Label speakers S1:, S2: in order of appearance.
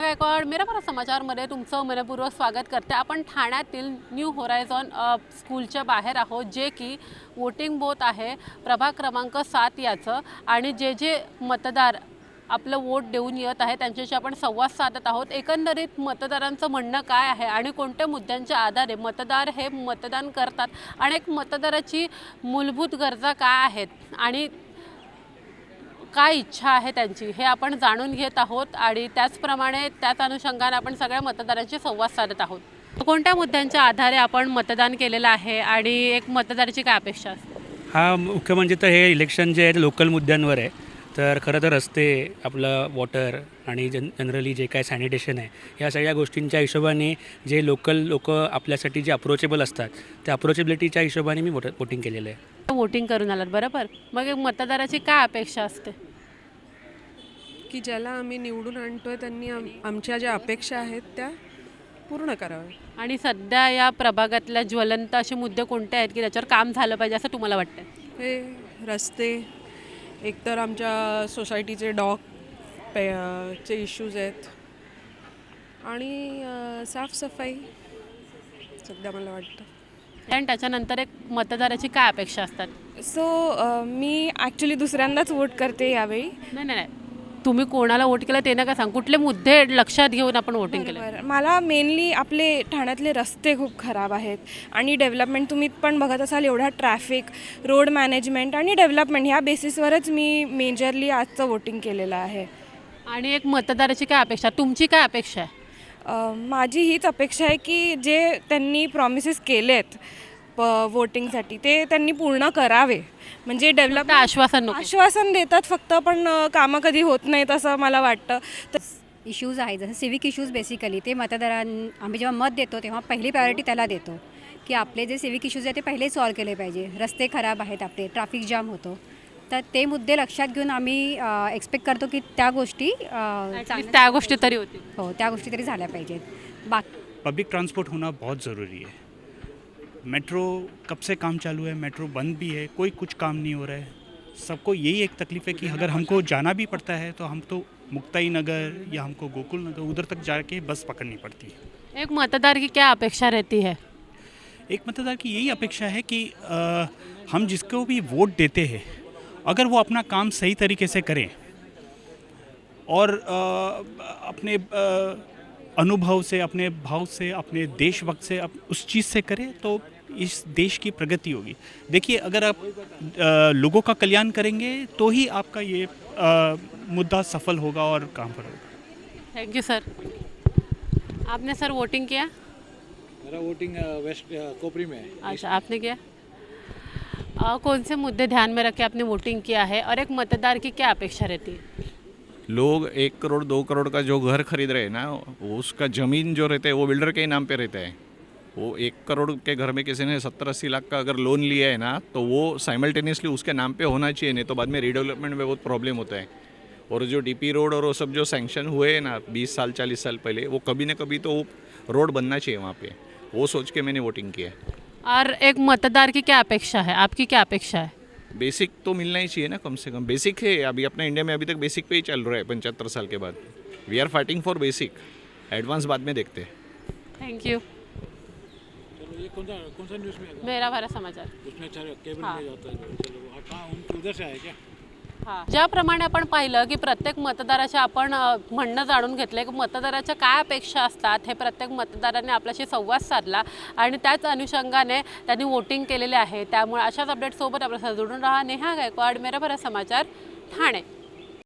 S1: गायकवाड मेरा भारत समाचारमध्ये तुमचं मनपूर्वक स्वागत करते। आपण ठाण्यातील न्यू होरायझॉन स्कूलच्या बाहेर आहोत, जे की वोटिंग बूथ आहे प्रभाग क्रमांक 7 याचं, आणि जे मतदार आपलं वोट देऊन येत आहे त्यांच्याशी आपण संवाद साधत आहोत। एकंदरीत मतदारांचं म्हणणं काय आहे आणि कोणत्या मुद्द्यांच्या आधारे मतदार हे मतदान करतात आणि एक मतदाराची मूलभूत गरजा काय आहेत आणि काय इच्छा आहे त्यांची हे आपण जाणून घेत आहोत, आणि त्याचप्रमाणे त्याच अनुषंगाने आपण सगळ्या मतदारांशी संवाद साधत आहोत। कोणत्या मुद्द्यांच्या आधारे आपण मतदान केलेलं आहे आणि एक मतदाराची काय अपेक्षा असते?
S2: हा मुख्य म्हणजे तर हे इलेक्शन जे आहे ते लोकल मुद्द्यांवर आहे। तर खरं तर रस्ते, आपलं वॉटर आणि जनरली जे काय सॅनिटेशन आहे, या सगळ्या गोष्टींच्या हिशोबाने जे लोकल लोक आपल्यासाठी जे अप्रोचेबल असतात त्या अप्रोचेबिलिटीच्या हिशोबाने मी वोटिंग केलेलं आहे।
S1: वोटिंग करून आलात बरोबर, मग एक मतदाराची काय अपेक्षा असते?
S3: की ज्याला आम्ही निवडून आणतोय त्यांनी आमच्या ज्या अपेक्षा आहेत त्या पूर्ण कराव्या।
S1: आणि सध्या या प्रभागातल्या ज्वलंत असे मुद्दे कोणते आहेत की त्याच्यावर काम झालं पाहिजे असं तुम्हाला वाटतं?
S3: हे रस्ते, एकतर आमच्या सोसायटीचे चे इश्यूज आहेत, आणि साफसफाई सध्या मला वाटतं।
S1: आणि त्याच्यानंतर एक मतदाराची काय अपेक्षा असतात?
S4: मी ॲक्च्युली दुसऱ्यांदाच वोट करते यावेळी।
S1: नाही, तुम्ही कोणाला वोट केलं ते नका सांग, कुठले मुद्दे लक्षात घेऊन आपण वोटिंग केलं?
S4: बरं, मला मेनली आपले ठाण्यातले रस्ते खूप खराब आहेत आणि डेव्हलपमेंट, तुम्ही पण बघत असाल एवढा ट्रॅफिक, रोड मॅनेजमेंट आणि डेव्हलपमेंट ह्या बेसिसवरच मी मेजरली आजचं वोटिंग केलेलं आहे।
S1: आणि एक मतदाराची काय अपेक्षा, तुमची काय अपेक्षा आहे?
S4: माझी हीच अपेक्षा आहे की जे त्यांनी प्रॉमिसेस केलेत वोटिंगसाठी ते त्यांनी पूर्ण करावे, म्हणजे डेव्हलप आश्वासन देतात फक्त, पण कामं कधी होत नाहीत असं मला वाटतं। तर
S5: इश्यूज आहेत जसं सिविक इश्यूज, बेसिकली ते आम्ही जेव्हा मत देतो तेव्हा पहिली प्रायोरिटी त्याला देतो की आपले जे सिविक इश्यूज आहेत ते पहिले सॉल्व केले पाहिजे। रस्ते खराब आहेत आपले, ट्रॅफिक जाम होतो, तर ते मुद्दे लक्षात घेऊन आम्ही एक्सपेक्ट करतो की त्या गोष्टी
S1: तरी होतील।
S5: हो, त्या गोष्टी तरी झाल्या पाहिजेत। बाकी
S6: पब्लिक ट्रांसपोर्ट होना बहुत ज़रूरी है। मेट्रो कब से काम चालू है, मेट्रो बंद भी है, कोई कुछ काम नहीं हो रहा है। सबको यही एक तकलीफ़ है कि अगर हमको जाना भी पड़ता है तो हम तो मुक्ताई नगर या हमको गोकुल नगर उधर तक जाके बस पकड़नी पड़ती है।
S1: एक मतदार की क्या अपेक्षा रहती है?
S6: एक मतदार की यही अपेक्षा है कि हम जिसको भी वोट देते हैं अगर वो अपना काम सही तरीके से करें और अपने अनुभव से, अपने भाव से, अपने देशभक्त से उस चीज़ से करें तो इस देश की प्रगति होगी। देखिए, अगर आप लोगों का कल्याण करेंगे तो ही आपका ये मुद्दा सफल होगा और काम पर होगा।
S1: Thank you sir. आपने सर वोटिंग किया?
S7: मेरा वोटिंग वेस्ट कोपरी में है।
S1: अच्छा, आपने किया? कौन से मुद्दे ध्यान में रख के आपने वोटिंग किया है और एक मतदार की क्या अपेक्षा रहती है?
S8: लोग 1 करोड़ 2 करोड़ का जो घर खरीद रहे हैं ना, उसका ज़मीन जो रहता है वो बिल्डर के ही नाम पे रहता है। वो 1 करोड़ के घर में किसी ने 70-80 लाख का अगर लोन लिया है ना, तो वो साइमल्टेनियसली उसके नाम पे होना चाहिए, नहीं तो बाद में रीडेवलपमेंट में बहुत प्रॉब्लम होता है। और जो डीपी रोड और वो सब जो सैंक्शन हुए हैं ना 20 साल 40 साल पहले, वो कभी ना कभी तो रोड बनना चाहिए वहाँ पे, वो सोच के मैंने वोटिंग किया है।
S1: और एक मतदार की क्या अपेक्षा है, आपकी क्या अपेक्षा है?
S8: बेसिक तो मिलना ही चाहिए ना, कम से कम बेसिक है। अभी अपना इंडिया में अभी तक बेसिक पे ही चल रहा है 75 साल के बाद। We are fighting for basic, advance बाद में देखते हैं।
S1: थैंक यू।
S7: चलो, ये कौन सा न्यूज़ में है?
S1: मेरा भारत समाचार।
S7: उसमें केबल में जाता है। चलो, कहाँ उनके उधर से आए क्या?
S1: हां, ज्याप्रमाणे आपण पाहिलं की प्रत्येक मतदाराचे आपण म्हणणं जाणून घेतलं की मतदाराच्या काय अपेक्षा असतात, हे प्रत्येक मतदाराने आपल्याशी संवाद साधला आणि त्याच अनुषंगाने त्यांनी वोटिंग केलेले आहे। त्यामुळे अशाच अपडेटसोबत आपल्याला जोडून राहा। नेहा गायकवाड, मेरा भारत समाचार, ठाणे।